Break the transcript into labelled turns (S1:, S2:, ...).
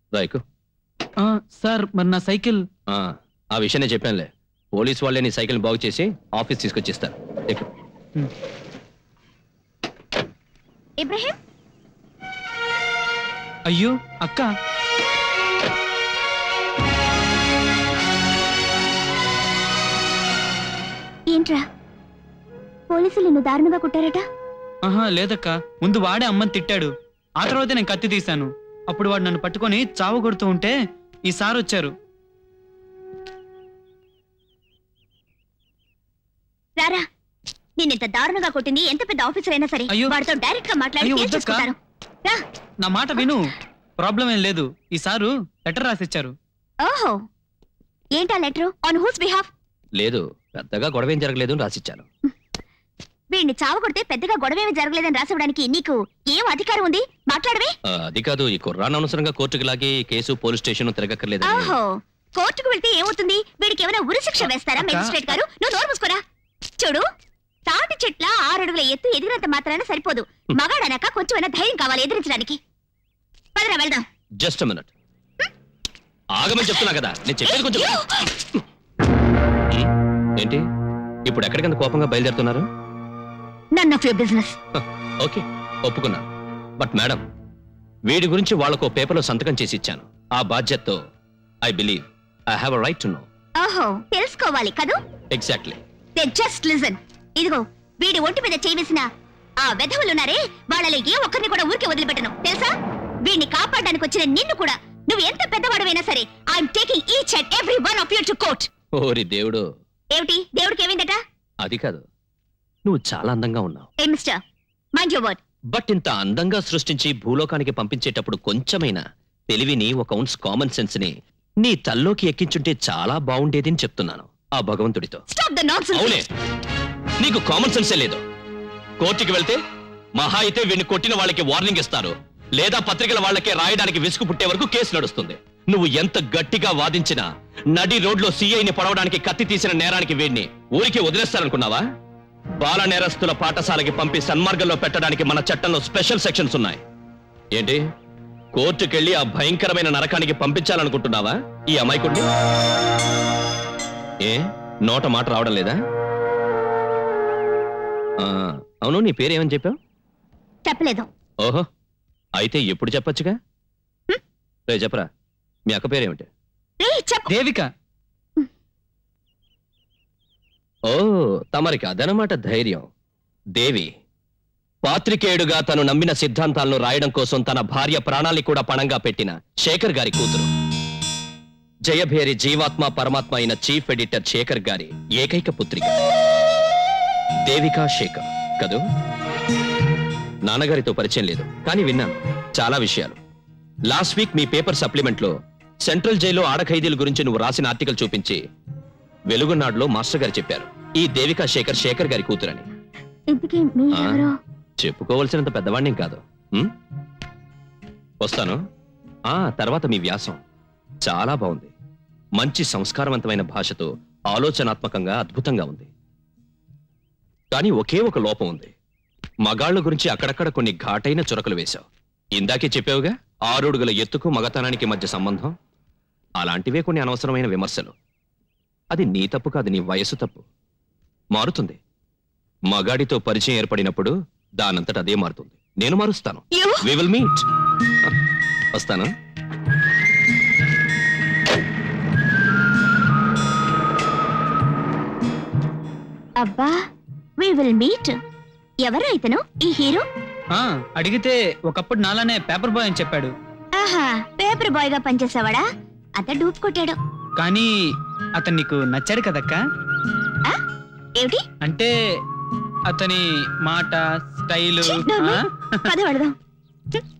S1: రాయకు.
S2: Sir మరి నా cycle?
S1: ఆ విషయం నేను చెప్పానులే. పోలీస్ వాళ్ళే నీ సైకిల్ బాగు చేసి ఆఫీస్ తీసుకొచ్చిస్తారు.
S3: ఇబ్రహీం.
S2: అయ్యో అక్క.
S3: ఏంట్రా, పోలీసులు నిన్ను దారుణంగా కుట్టారట?
S2: లేదక్క, ముందు వాడే అమ్మని తిట్టాడు. ఆ తర్వాత నేను కత్తి తీశాను. అప్పుడు వాడు నన్ను పట్టుకొని చావు కొడుతూ ఉంటే ఈ సార్ వచ్చారు.
S3: రారా, నిన్నింత దారుణంగా కొట్టింది ఎంత పెద్ద ఆఫీసర్ అయినా సరే వాడితో డైరెక్ట్ గా మాట్లాడి కేసు చేసుకుంటారు. రా,
S2: నా మాట విను. ప్రాబ్లం ఏం లేదు. ఈ సారు లెటర్ రాసిచ్చారు.
S3: ఓహో, ఏంటా లెటర్? On who's behalf?
S1: లేదు, పెద్దగా గొడవ ఏం జరగలేదు అని రాసిచ్చాను.
S3: వీడిని చావు కొడితే పెద్దగా గొడవేమీ జరగలేదని రాసివ్వడానికి నీకు ఏం అధికారం ఉంది? మాట్లాడవే.
S1: అది కాదు, ఈ కుర్రాన్ని అనవసరంగా కోర్టుకు లాగి కేసు పోలీస్ స్టేషన్ తిరగక్కర్లేదు.
S3: ఓహో, కోర్టుకు వెళ్తే ఏమవుతుంది? వీడికి ఏమైనా ఉరి శిక్ష వేస్తారా మెజిస్ట్రేట్ గారు? నువ్వు నోరు మూసుకోరా. చూడు, తాటి చెట్ల 6 అడుగుల ఎత్తు ఎదిగినంత మాత్రాన సరిపోదు. మగాడనక కొంచెమైనా ధైర్యం కావాలి ఎదిరించడానికి. పదరా వెళ్దాం.
S1: జస్ట్ మినిట్, ఆగమని చెప్తున్నా కదా. నేను చెప్పేది కొంచెం. ఏంటి ఇప్పుడు ఎక్కడికంత కోపంగా బయలుదేరుతున్నారు?
S3: None of your business.
S1: Okay, ఒప్పుకున్నాను. బట్ మేడం, వీడి గురించి వాళ్ళకు పేపర్లో సంతకం చేసి ఇచ్చాను. ఆ బాధ్యతతో I believe I have a right to know.
S3: ఓహో, తెలుసుకోవాలి కదూ?
S1: ఎగ్జాక్ట్లీ.
S3: Then just listen. ఇదిగో, వీడి ఒంటి మీద చేసిన ఆ వెధవులున్నారే, వాళ్ళలో ఏ ఒక్కరిని కూడా ఊరికే వదిలిపెట్టను, తెలుసా? వీడిని కాపాడడానికి వచ్చిన నిన్ను కూడా, నువ్వు ఎంత పెద్దవాడవైనా సరే, I'm taking each and every one of you to court.
S1: ఓరి దేవుడు.
S3: ఏమిటి దేవుడికి ఏమైందట?
S1: అది కాదు, నువ్వు చాలా అందంగా ఉన్నావు.
S3: Hey mister, mind your word.
S1: But ఇంత అందంగా సృష్టించి భూలోకానికి పంపించేటప్పుడు కొంచెమైనా తెలివిని, ఒక ఔన్స్ కామన్ సెన్స్ ని నీ తల్లోకి ఎక్కించుంటే చాలా బాగుండేది అని చెప్తున్నాను ఆ భగవంతుడితో.
S3: Stop the nonsense.
S1: అవునే, నీకు కామన్ సెన్సే లేదు. కోర్టుకి వెళ్తే మహా అయితే వీడిని కొట్టిన వాళ్ళకి వార్నింగ్ ఇస్తారు, లేదా పత్రికల వాళ్ళకే రాయడానికి విసుగు పుట్టే వరకు కేసు నడుస్తుంది. నువ్వు ఎంత గట్టిగా వాదించినా నడి రోడ్లో సిఐని పొడవడానికి కత్తి తీసిన నేరానికి వీడిని ఊరికి వదిలేస్తారనుకున్నావా? బాల నేరస్తుల పాఠశాలకి పంపి సన్మార్గంలో పెట్టడానికి మన చట్టంలో స్పెషల్ సెక్షన్స్ ఉన్నాయి. ఏంటి, కోర్టుకెళ్లి ఆ భయంకరమైన నరకానికి పంపించాలనుకుంటున్నావా ఈ అమాయకుడిని? ఏ నోట మాట రావడం లేదా? అవును, నీ పేరేమని చెప్పావు?
S3: చెప్పలేదు.
S1: ఓహో, అయితే ఎప్పుడు చెప్పొచ్చుగా. రే చెప్పరా, మీ అక్క పేరేమిటి?
S2: దేవిక.
S1: ఓ, తమరికి అదనమాట ధైర్యం. దేవి పాత్రికేయుడుగా తను నమ్మిన సిద్ధాంతాలను రాయడం కోసం తన భార్య ప్రాణాల్ని కూడా పణంగా పెట్టిన శేఖర్ గారి కూతురు. జయభేరి జీవాత్మ పరమాత్మ అయిన చీఫ్ ఎడిటర్ శేఖర్ గారి ఏకైక పుత్రిక దేవికా శేఖర్ కదూ? నాన్నగారితో పరిచయం లేదు, కానీ విన్నాను చాలా విషయాలు. లాస్ట్ వీక్ మీ పేపర్ సప్లిమెంట్ లో సెంట్రల్ జైల్లో ఆడఖైదీల గురించి నువ్వు రాసిన ఆర్టికల్ చూపించి వెలుగునాడులో మాస్టర్ గారు చెప్పారు ఈ దేవికా శేఖర్ గారి కూతురని. చెప్పుకోవలసినంత పెద్దవాణ్ణి కాదు. వస్తాను. తర్వాత మీ వ్యాసం చాలా బాగుంది. మంచి సంస్కారవంతమైన భాషతో ఆలోచనాత్మకంగా అద్భుతంగా ఉంది. కానీ ఒకే ఒక లోపం ఉంది. మగాళ్ళ గురించి అక్కడక్కడ కొన్ని ఘాటైన చురకలు వేశావు. ఇందాకే చెప్పావుగా 6 అడుగుల ఎత్తుకు మగతనానికి మధ్య సంబంధం. అలాంటివే కొన్ని అనవసరమైన విమర్శలు. అది నీ తప్పు కాదు, నీ వయసు తప్పు. మారుతుంది. మగాడితో పరిచయం ఏర్పడినప్పుడు దానంతట అదే మారుతుంది. నేను మారుస్తాను. We will meet. వస్తాను.
S3: అబ్బా, we will meet. ఎవరు ఇతను, ఈ హీరో?
S2: అడిగితే ఒకప్పుడు నాలానే పేపర్ బాయ్ అని చెప్పాడు.
S3: ఆహా, పేపర్ బాయ్ గా పనిచేసేవాడా? అత డూప్ కొట్టాడు.
S2: కానీ అతను నీకు నచ్చాడు కదక్క?
S3: ఏమిటి
S2: అంటే అతని మాట, స్టైలు.
S3: పద వెళదాం.